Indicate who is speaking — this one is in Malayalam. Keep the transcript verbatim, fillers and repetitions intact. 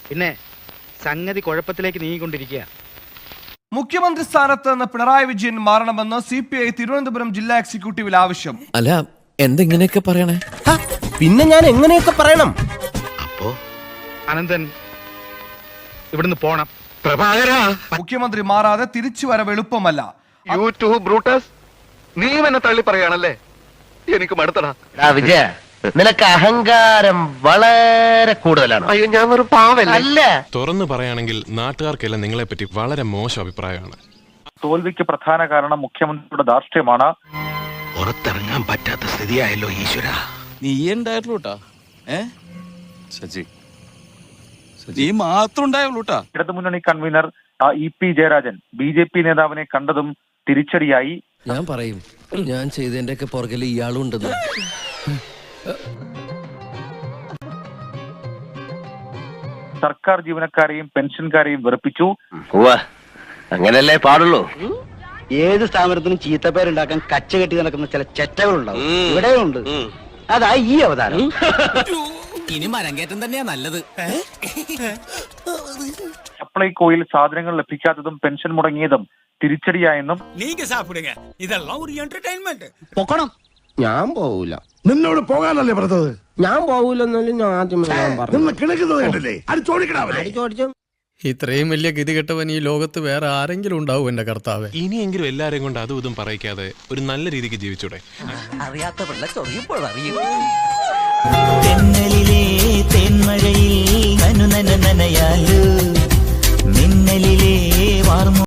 Speaker 1: പിന്നെ സംഗതി കുഴപ്പത്തിലേക്ക് നീങ്ങിക്കൊണ്ടിരിക്കുക.
Speaker 2: മുഖ്യമന്ത്രി സ്ഥാനത്ത് നിന്ന് പിണറായി വിജയൻ മാറണമെന്ന് സി പി ഐ തിരുവനന്തപുരം ജില്ലാ എക്സിക്യൂട്ടീവിൽ ആവശ്യം.
Speaker 3: അല്ല എന്തെങ്ങനെയൊക്കെ പറയണേ?
Speaker 4: പിന്നെ ഞാൻ എങ്ങനെയൊക്കെ പറയണം?
Speaker 1: അപ്പോ അനന്തൻ ഇവിടുന്ന് പോണം. പ്രഭാകര,
Speaker 2: മുഖ്യമന്ത്രി മാറാതെ തിരിച്ചു വരവ് എളുപ്പമല്ല.
Speaker 5: യൂട്യൂബ് ബ്രൂട്ടസ്, നീ എന്നെ തള്ളി പറയാണല്ലേ? എനിക്ക് മടുത്തടാ.
Speaker 4: വിജയ, നിനക്ക് അഹങ്കാരം വളരെ കൂടുതലാണ്.
Speaker 5: അയ്യോ, ഞാൻ ഒരു പാവല്ല.
Speaker 4: അല്ല,
Speaker 6: തുറന്നു പറയുകയാണെങ്കിൽ നാട്ടുകാർക്കെല്ലാം നിങ്ങളെ പറ്റി വളരെ മോശം അഭിപ്രായമാണ്.
Speaker 7: തോൽവിക്ക് പ്രധാന കാരണം മുഖ്യമന്ത്രിയുടെ ധാർഷ്ട്യമാണ്.
Speaker 1: പുറത്തിറങ്ങാൻ പറ്റാത്ത സ്ഥിതിയായല്ലോ ഈശ്വര.
Speaker 8: നീ ഉണ്ടായിട്ടുള്ളൂട്ടാ. ഏ സജി നീ മാത്രം ഉണ്ടായുള്ളൂട്ടാ.
Speaker 7: ഇടതുമുന്നണി convener E P Jayarajan B J P നേതാവിനെ കണ്ടതും തിരിച്ചടിയായി.
Speaker 3: ഞാൻ പറയും, ഞാൻ ചെയ്തതിന്റെ ഒക്കെ പുറകിൽ ഇയാളും ഉണ്ടെന്ന്.
Speaker 7: സർക്കാർ ജീവനക്കാരെയും പെൻഷൻകാരെയും വെറുപ്പിച്ചു.
Speaker 4: അങ്ങനല്ലേ പാടുള്ളൂ.
Speaker 9: ഏത് സ്ഥാപനത്തിനും ചീത്തപ്പേരുണ്ടാക്കാൻ കച്ച കെട്ടി നടക്കുന്ന ചില ചെറ്റകളുണ്ടാവും. ഇവിടെയുണ്ട്. അതാ ഈ അവതാരം.
Speaker 3: ഇനി മരം കയറ്റം തന്നെയാ നല്ലത്.
Speaker 7: സപ്ലൈകോയിൽ സാധനങ്ങൾ ലഭിക്കാത്തതും പെൻഷൻ മുടങ്ങിയതും തിരിച്ചടിയായെന്നും
Speaker 4: പൊക്കണം. ഞാൻ പോവൂല.
Speaker 10: നിന്നോട് പോകാനല്ലേ പറഞ്ഞത്?
Speaker 4: ഞാൻ പോവൂലെന്നാലും ഞാൻ ആദ്യമേ ഞാൻ പറഞ്ഞു.
Speaker 10: കിണക്കുന്നത് കണ്ടില്ലേ? അത് ചോദിക്കണ.
Speaker 11: ഇത്രയും വലിയ ഗതികെട്ടവൻ ഈ ലോകത്ത് വേറെ ആരെങ്കിലും ഉണ്ടാവും എന്റെ കർത്താവേ.
Speaker 6: ഇനിയെങ്കിലും എല്ലാരെയും കൊണ്ട് അതും ഇതും പറയിക്കാതെ ഒരു നല്ല രീതിക്ക് ജീവിച്ചൂടെ?
Speaker 3: അറിയാത്ത പിള്ള ചൊറിയപ്പോൾ അറിയും.
Speaker 12: തെന്നലിലെ തേന്മഴയിൽ നനു നന നനയാലോ മിന്നലിലെ വാർമ